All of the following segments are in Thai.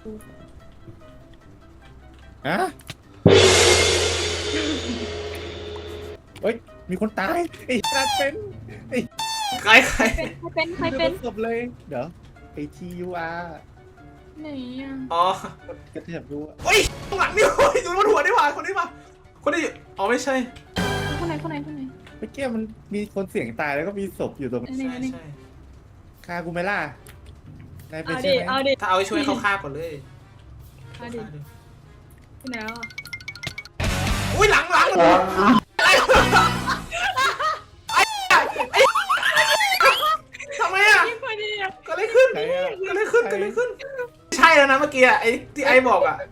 ฮะเฮ้ยมีคนตายไอ้นัดเป็นไอ้ใครใครเป็นศพเลยเดี๋ยวไอ้ TUR ไหนอ่ะอ๋อกระเทียบดูอะเฮ้ยข้างหลังนี่โอ้ยอยู่บนหัวนี่หว่าคนนี้ป่ะคนนี้อ๋อไม่ใช่คนไหนเมื่อกี้มันมีคนเสียงตายแล้วก็มีศพอยู่ตรงอันใช่นี้ใช่คากูไหม่ล่ะนายเป็นเอาใช่ดิไหมเอาดิถ้าเอาไปช่วยเขาฆ่าก่อนเลยเอาดิที่ไหนอ่ะอุ้ยหลังทำไมอ่ะพอดีอ่ะก็เลยขึ้นใครอะก็เลยขึ้นใช่แล้วนะเมื่อกี้ไอ้ที่ไอ้บอกอ่ะ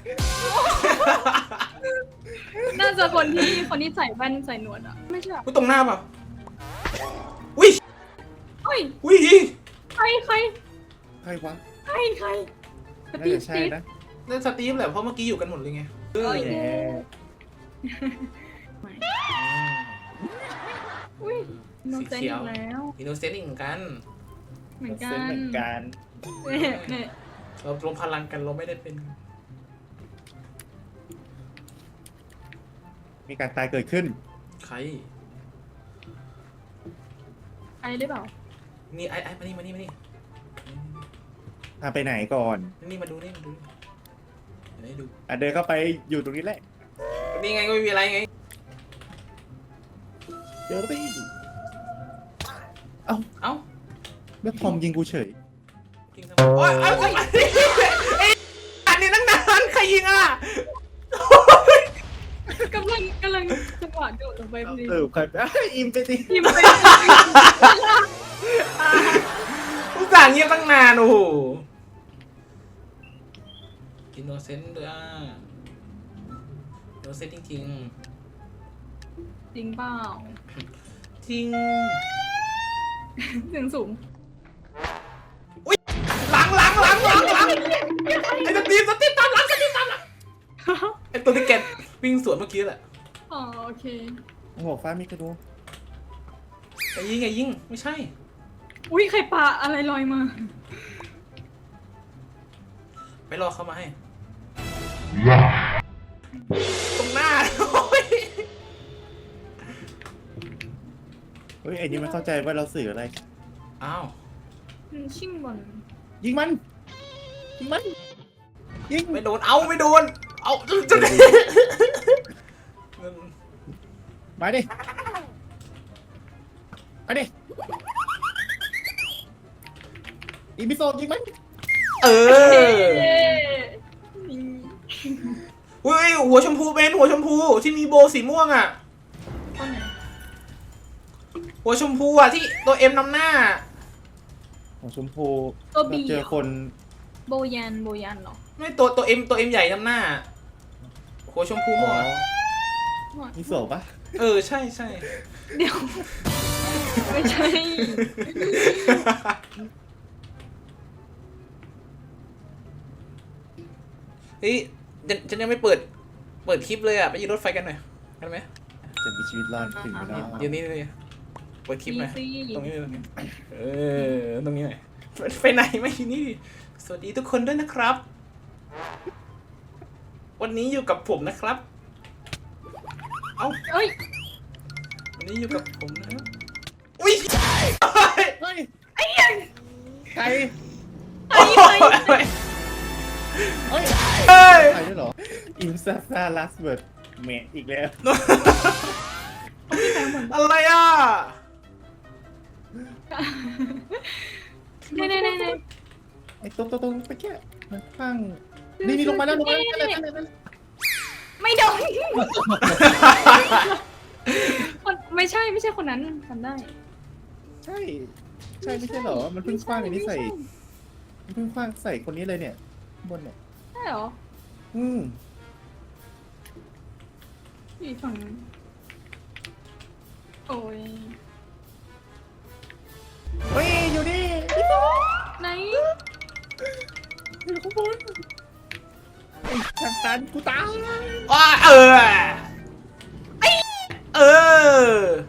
น่าจะคนที่ใส่แว่นใส่หนวดอ่ะไม่ใช่หรอกูตรงหน้าป่ะอุ้ยเฮ้ยอุ้ยใครใครวะสน่าตีฟจะใช่นะนั่นสตีฟแหละเพราะเมื่อกี้อยู่กันหมดเลยไงโอ้ยแหมอุ้ยโนเซนอีกแล้วอินโนเซนต์เหมือนกันเหมือนกัเส้นนเหมือนกันเนี่ยเรารวมพลังกันเราไม่ได้เป็นมีการตายเกิดขึ้นใครไอได้เปล่านี่ไอ้มานี่พาไปไหนก่อนนี่มาดูนี่มาดูให้ดูอ่ะเดินเข้าไปอยู่ตรงนี้แหละนี่ไงก็ไม่มีอะไรไงเดี๋ยวไปเอ้าแล้วทอมยิงกูเฉยจริงทำไมโอ๊ยเอาทำไมไอ้อันนี้ตั้งนานใครยิงอ่ะกำลังจังหวะโดดลงไปพอดีใครอิมไปสิทีมไปทุกอย่างเงียบตั้งนานโอ้โหอินโนเซนต์ด้วยอ่ะอินโนเซนต์จริงจริงเปล่าๆจริงเสียงสูงหลังไอ้สตีฟตามหลังไอ้ตัวที่แกวิ่งสวนเมื่อกี้แหละอ๋อโอเคหัวฟ้ามีกระดูกไอ้ยิงไม่ใช่อุ้ยใครปาอะไรลอยมาไปรอเขามาให้ตรงหน้าโอ้ยเฮ้ยไอ้นี่มันเข้าใจว่าเราสื่ออะไรอ้าวชิ่งบอลยิงมันยิงไม่โดนเอาจะมาดิอีพิโซดยิงมันเออนี่อุ้ยหัวชมพูเป็นหัวชมพูที่มีโบสีม่วงอ่ะต้นไหนหัวชมพูอ่ะที่ตัวเอ็มนำหน้าของชมพูตัวบีเจอคนโบยันเหรอไม่ตัวเอ็มใหญ่นำหน้า หัวชมพูอ๋ม่วองอะมีโสปะเออใช่เดี๋ยว ไม่ใช่เฮ้ยจะยังไม่เปิดคลิปเลยอ่ะไปยืนรถไฟกันหน่อยกันไหมจะมีชีวิตรอดถึงไม่ได้เดี๋ยวนี้เลยเปิดคลิปหน่อยดีสิตรงนี้เออตรงนี้หน่อยไปไหนไม่ที่นี่สวัสดีทุกคนด้วยนะครับ วันนี้อยู่กับผมนะครับ เอ้าเอ้ยวันนี้อยู่กับผมนะครับอุ้ยเฮ้ยไอ้ยังใครโอ้ยเฮ้ยเฮ้ยใครด้วยเหรออิมซาซาลัสเบิร์ดเมทอีกแล้วอะไรอ่ะเน่ไอ้ตรงไปแค่มันข้างนี่ลงมาแล้วไม่โดนไม่ใช่คนนั้นทำได้ใช่ไม่ใช่เหรอมันเพิ่งคว้างอันนี้ใส่มันเพิ่งคว้างใส่คนนี้เลยเนี่ยบนเนี่ยใช่เหรอ อยู่ฝั่งนั้นโอ้ยเฮ้ยอยู่นี่ไหนอยู่ข้างบนไอ้ทางตันกูตายว้าเออ